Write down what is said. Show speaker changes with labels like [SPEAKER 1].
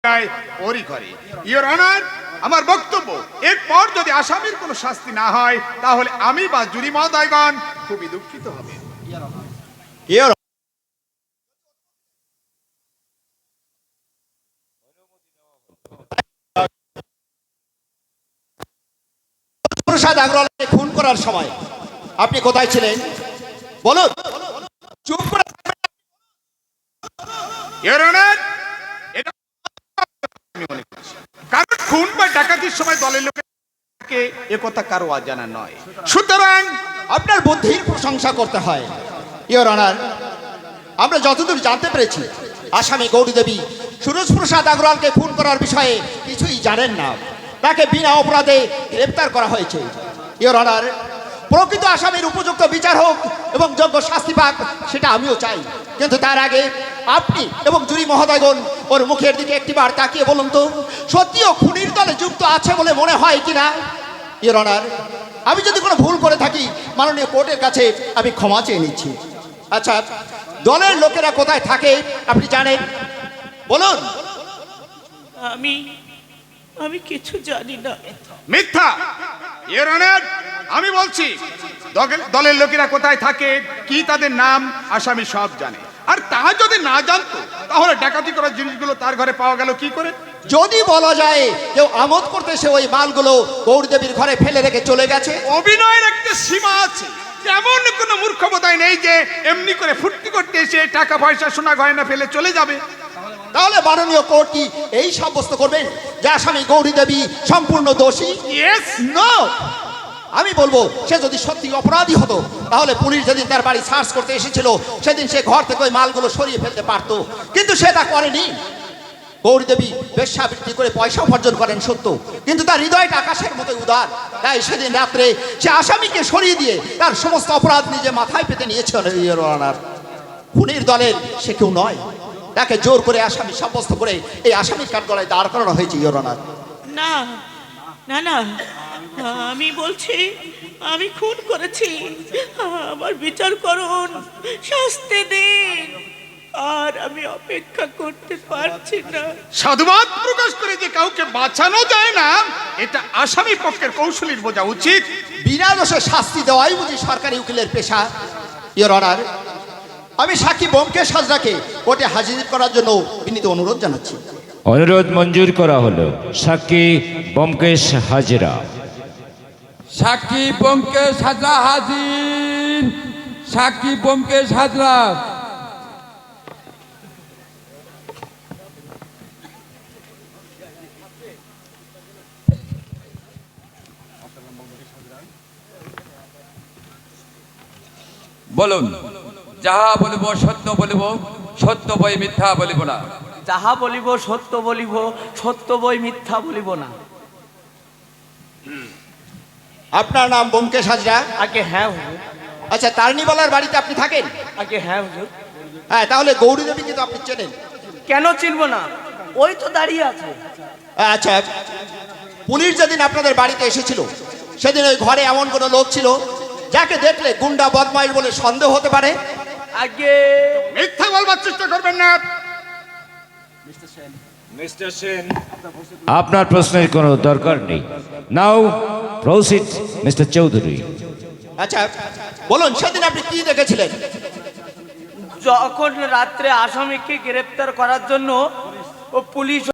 [SPEAKER 1] ওরই করে। Your honour, আমার বক্তব্য, এরপর যদি আসামির কোনো শাস্তি না হয় তাহলে আমি বা জুরি মহোদয়গণ খুবই দুঃখিত হবে।
[SPEAKER 2] প্রসাদ আগরওয়ালকে খুন করার সময় আপনি কোথায় ছিলেন বলুন? চুপ করে।
[SPEAKER 1] ইওর অনার, এটা আমি মনে করছি, কারণ খুন বা ডাকাতির সময় দলের লোকে একথা কারো অজানা নয়, সুতরাং
[SPEAKER 2] আপনার বুদ্ধির প্রশংসা করতে হয়। ইওর অনার, আমরা যতদূর জানতে পেরেছি আসামি গৌরী দেবী সুরজ প্রসাদ আগরওয়ালকে খুন করার বিষয়ে কিছুই জানেন না। তাকে বিনা অপরাধে গ্রেপ্তার করা হয়েছে। ইওর অনার, প্রকৃত আসামির উপযুক্ত বিচার হোক এবং যোগ্য শাস্তি পাক, সেটা আমিও চাই। কিন্তু তার আগে আপনি এবং জুরি মহোদয়গণ ওর মুখের দিকে একটিবার তাকিয়ে বলুন তো, সত্যিও খুনির দলে যুক্ত আছে বলে মনে হয় কিনা? ইওর অনার, আমি যদি কোনো ভুল করে থাকি মাননীয় কোর্টের কাছে আমি ক্ষমা চেয়ে নিচ্ছি। আচ্ছা, দলের লোকেরা কোথায় থাকে আপনি জানেন? বলুন।
[SPEAKER 3] আমি কিছু জানি না।
[SPEAKER 1] মিথ্যা। ইওর অনার, আমি বলছি দলের লোকেরা কোথায় থাকে, কি তাদের নাম, আসামি সব জানে। আর তা যদি না জানতো তাহলে ডাকাতি করার জিনিসগুলো তার ঘরে পাওয়া গেল কি করে?
[SPEAKER 2] যদি বলা যায় কেউ আমোদ করতে এসে ওই মালগুলো গৌরী দেবীর ঘরে ফেলে রেখে চলে গেছে।
[SPEAKER 1] অভিনয়ের একটা সীমা আছে। এমন কোনো মূর্খ বোধহয় নেই যে এমনি করে ফুর্তি করতে এসে টাকা পয়সা সোনা গয়না ফেলে চলে যাবে।
[SPEAKER 2] তাহলে মাননীয় কোর্ট কি এই সাব্যস্ত করবেন যে আসামি গৌরী দেবী সম্পূর্ণ দোষী?
[SPEAKER 1] ইয়েস।
[SPEAKER 2] নো। আমি বলবো সে যদি সত্যি অপরাধী হতো তাহলে পুলিশ যেদিন তার বাড়ি সার্চ করতে এসেছিল সেদিন সে ঘর থেকে ওই মালগুলো সরিয়ে ফেলতে পারতো, কিন্তু সে তা করেনি। গৌরী দেবী বেশ্যাবৃত্তি করে পয়সা উপার্জন করেন সত্য, কিন্তু তার হৃদয়টা আকাশের মতো উদার। তাই সেদিন রাত্রে সে আসামিকে সরিয়ে দিয়ে তার সমস্ত অপরাধ নিজে মাথায় পেতে নিয়েছে। খুনির দলের সে কেউ নয়। তাকে জোর করে আসামি সাব্যস্ত করে এই আসামির কাঠগড়ায় দাঁড় করানো হয়েছে। ইওর অনার,
[SPEAKER 3] না না না, আমি বলছি আমি খুন করেছি। আমার বিচার করুন, শাস্তি দিন। আর আমি অপেক্ষা করতে পারছি না।
[SPEAKER 1] সাধুবাদ প্রকাশ করে যে কাউকে বাঁচানো যায় না, এটা আসামি পক্ষের কৌশলীর বোঝা উচিত।
[SPEAKER 2] বিনা দোষে শাস্তি দেওয়াই বুঝি সরকারি উকিলের পেশা। ইওর অনার, আমি সাক্ষী ব্যোমকেশ হাজরাকে কোর্টে হাজির করার জন্য বিনীত অনুরোধ জানাচ্ছি।
[SPEAKER 4] অনুরোধ মঞ্জুর করা হলো। সাক্ষী ব্যোমকেশ হাজরা।
[SPEAKER 5] সাক্ষী ব্যোমকেশ হাজরা হাজির। সাক্ষী ব্যোমকেশ হাজরা। বলুন। যাহা বলিব সত্য বলিব, সত্য বই মিথ্যা বলিব না।
[SPEAKER 6] যাহা বলিব সত্য বলিব, সত্য বই মিথ্যা বলিব না।
[SPEAKER 2] আপনার নাম ব্যোমকেশ হাজরা?
[SPEAKER 6] আগে হ্যাঁ হুজুর।
[SPEAKER 2] আচ্ছা, তারণীবালার বাড়িতে আপনি থাকেন?
[SPEAKER 6] আগে হ্যাঁ হুজুর।
[SPEAKER 2] হ্যাঁ, তাহলে গৌরী দেবীকে তো আপনি চেনেন?
[SPEAKER 6] কেন চিনব না, ওই তো দাঁড়িয়ে আছে।
[SPEAKER 2] আচ্ছা, পুলিশ যেদিন আপনাদের বাড়িতে এসেছিল সেদিন ওই ঘরে এমন কোনো লোক ছিল যাকে দেখলে গুন্ডা বদমাইশ বলে সন্দেহ হতে পারে?
[SPEAKER 6] আগে
[SPEAKER 1] মিথ্যা বলবার চেষ্টা করবেন না।
[SPEAKER 4] আপনার প্রশ্নের কোনো দরকার নেই। Now proceed mister Chowdhury.
[SPEAKER 2] আচ্ছা, বলুন সেদিন আপনি কি দেখেছিলেন?
[SPEAKER 6] যখন রাত্রে আসামিকে গ্রেপ্তার করার জন্য ও পুলিশ